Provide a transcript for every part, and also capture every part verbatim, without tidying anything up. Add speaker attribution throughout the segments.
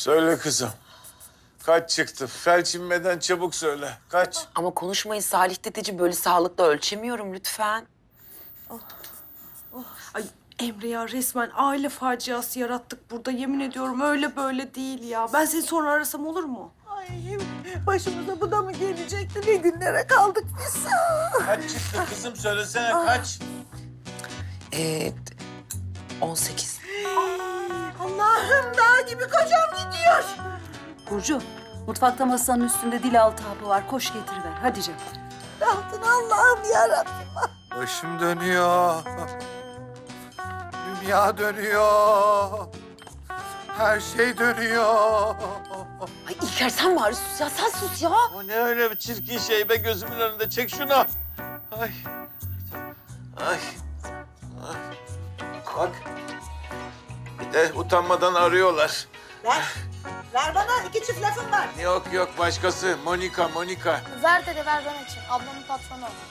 Speaker 1: Söyle kızım. Kaç çıktı? Felç inmeden çabuk söyle. Kaç?
Speaker 2: Ama konuşmayın Salih dedeciğim, böyle sağlıkla ölçemiyorum lütfen.
Speaker 3: Ay Emre ya, resmen aile faciası yarattık burada. Yemin ediyorum öyle böyle değil ya. Ben seni sonra arasam olur mu?
Speaker 4: Ay başımıza bu da mı gelecekti? Ne günlere kaldık biz?
Speaker 1: Kaç çıktı kızım? Söylesene kaç?
Speaker 2: Ee, on sekiz.
Speaker 4: Allah'ım, dağ gibi kocam gidiyor.
Speaker 5: Burcu, mutfakta masanın üstünde dil altı hapı var. Koş getiriver. Hadi canım.
Speaker 4: Rahatın Allah'ım yarabbim.
Speaker 1: Başım dönüyor. Dünya dönüyor. Her şey dönüyor.
Speaker 2: Ay İlker sen bari sus ya, sen sus ya.
Speaker 1: O ne öyle bir çirkin şey be, gözümün önünde. Çek şunu. Ay. Ay. Ay. Bak. Bir de utanmadan arıyorlar.
Speaker 4: Ver, ver bana, iki çift lafım var.
Speaker 1: Yok yok, başkası. Monika, Monika.
Speaker 6: Ver dede, ver ben açayım. Ablamın patronu o.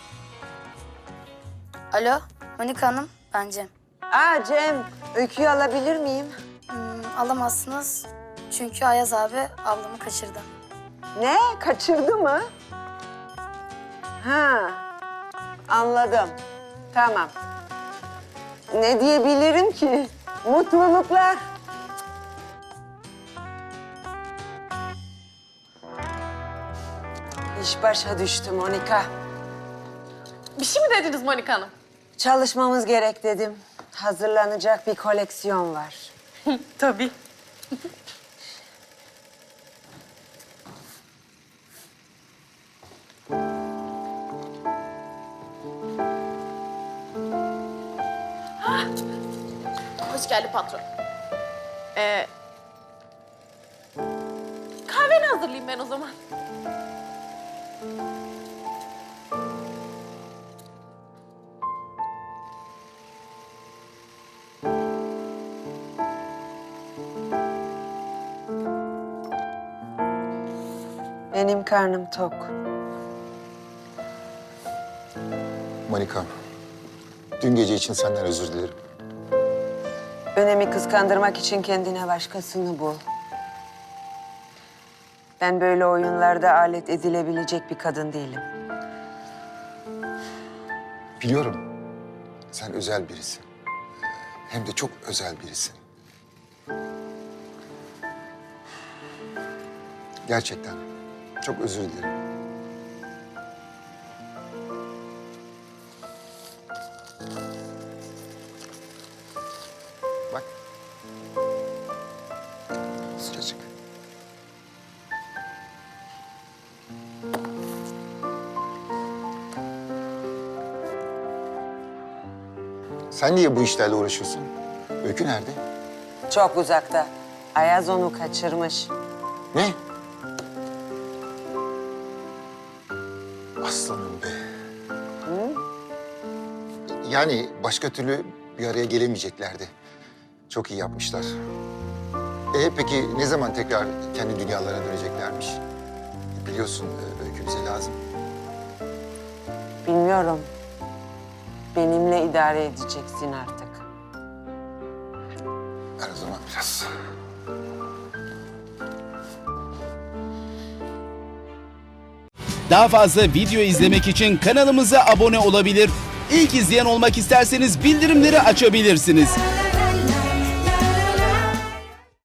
Speaker 6: Alo, Monika Hanım, ben Cem.
Speaker 7: Aa Cem, öyküyü alabilir miyim?
Speaker 6: Hmm, alamazsınız çünkü Ayaz abi ablamı kaçırdı.
Speaker 7: Ne? Kaçırdı mı? Ha, anladım. Tamam. Ne diyebilirim ki? Mutluluklar. İş başa düştü Monika.
Speaker 8: Bir şey mi dediniz Monika Hanım?
Speaker 7: Çalışmamız gerek dedim. Hazırlanacak bir koleksiyon var.
Speaker 8: Tabii. Hoş geldin patron. Ee, kahveni hazırlayayım ben o zaman.
Speaker 7: Benim karnım tok.
Speaker 9: Monika, dün gece için senden özür dilerim.
Speaker 7: Önemi kıskandırmak için kendine başkasını bul. Ben böyle oyunlarda alet edilebilecek bir kadın değilim.
Speaker 9: Biliyorum, sen özel birisin. Hem de çok özel birisin. Gerçekten çok özür dilerim. Bak. Sıcacık. Sen niye bu işlerle uğraşıyorsun? Öykü nerede?
Speaker 7: Çok uzakta. Ayaz onu kaçırmış.
Speaker 9: Ne? Aslanım be.
Speaker 7: Hı?
Speaker 9: Yani başka türlü bir araya gelemeyeceklerdi. Çok iyi yapmışlar. E peki ne zaman tekrar kendi dünyalarına döneceklermiş? Biliyorsun e, Öykü bize lazım.
Speaker 7: Bilmiyorum. Benimle idare edeceksin artık.
Speaker 9: Ver o zaman biraz.
Speaker 10: Daha fazla video izlemek için kanalımıza abone olabilir. İlk izleyen olmak isterseniz bildirimleri açabilirsiniz.